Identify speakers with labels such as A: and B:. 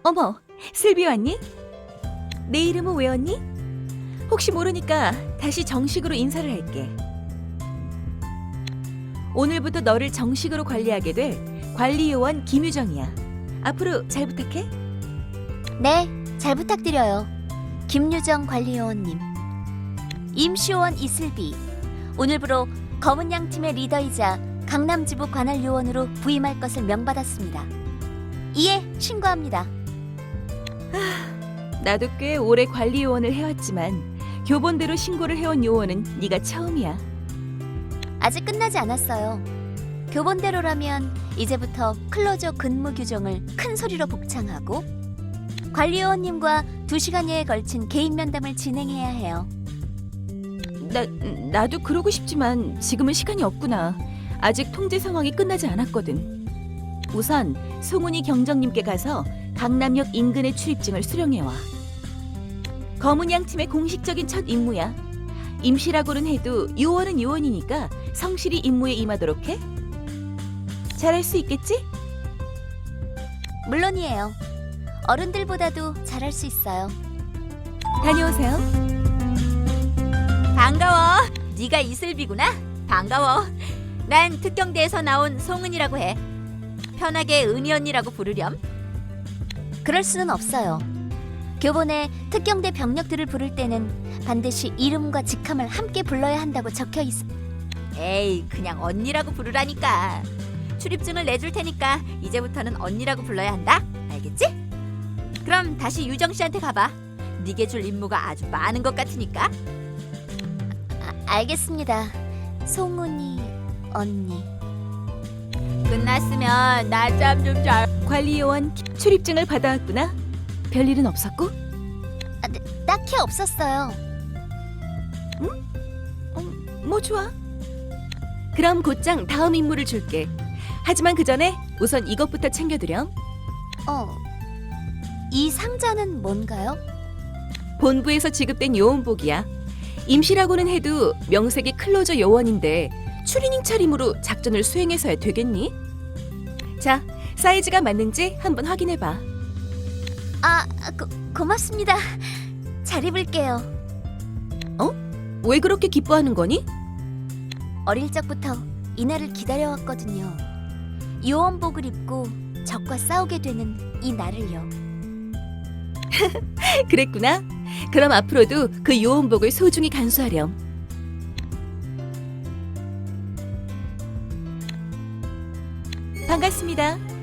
A: 어머, 슬비 왔니? 내 이름은 외웠니? 혹시 모르니까 다시 정식으로 인사를 할게. 오늘부터 너를 정식으로 관리하게 될 관리요원 김유정이야. 앞으로 잘 부탁해.
B: 네, 잘 부탁드려요. 김유정 관리요원님. 임시요원 이슬비. 오늘부로 검은 양 팀의 리더이자 강남지부 관할 요원으로 부임할 것을 명받았습니다. 이에 신고합니다.
A: 나도 꽤 오래 관리요원을 해왔지만 교본대로 신고를 해온 요원은 네가 처음이야.
B: 아직 끝나지 않았어요. 교본대로라면 이제부터 클로저 근무 규정을 큰 소리로 복창하고 관리요원님과 2시간여에 걸친 개인 면담을 진행해야 해요.
A: 나도 그러고 싶지만 지금은 시간이 없구나. 아직 통제 상황이 끝나지 않았거든. 우선 송은이 경정님께 가서 강남역 인근의 출입증을 수령해와. 검은 양 팀의 공식적인 첫 임무야. 임시라고는 해도 요원은 요원이니까 성실히 임무에 임하도록 해. 잘할 수 있겠지?
B: 물론이에요. 어른들보다도 잘할 수 있어요.
A: 다녀오세요.
C: 반가워. 네가 이슬비구나. 반가워. 난 특경대에서 나온 송은이라고 해. 편하게 은희 언니라고 부르렴.
B: 그럴 수는 없어요. 교본에 특경대 병력들을 부를 때는 반드시 이름과 직함을 함께 불러야 한다고 적혀 있어.
C: 에이, 그냥 언니라고 부르라니까. 출입증을 내줄 테니까 이제부터는 언니라고 불러야 한다. 알겠지? 그럼 다시 유정 씨한테 가봐. 네게 줄 임무가 아주 많은 것 같으니까.
B: 알겠습니다. 송은이 언니.
C: 끝났으면 낮잠 좀 잘.
A: 관리요원 출입증을 받아왔구나. 별일은 없었고?
B: 딱히 없었어요.
A: 뭐 좋아. 그럼 곧장 다음 임무를 줄게. 하지만 그 전에 우선 이것부터 챙겨드렴.
B: 이 상자는 뭔가요?
A: 본부에서 지급된 요원복이야. 임시라고는 해도 명색이 클로저 요원인데 추리닝 차림으로 작전을 수행해서야 되겠니? 자, 사이즈가 맞는지 한번 확인해봐.
B: 고맙습니다. 잘 입을게요.
A: 왜 그렇게 기뻐하는 거니?
B: 어릴 적부터 이날을 기다려왔거든요. 요원복을 입고 적과 싸우게 되는 이 날을요.
A: 그랬구나. 그럼 앞으로도 그 요원복을 소중히 간수하렴. 반갑습니다.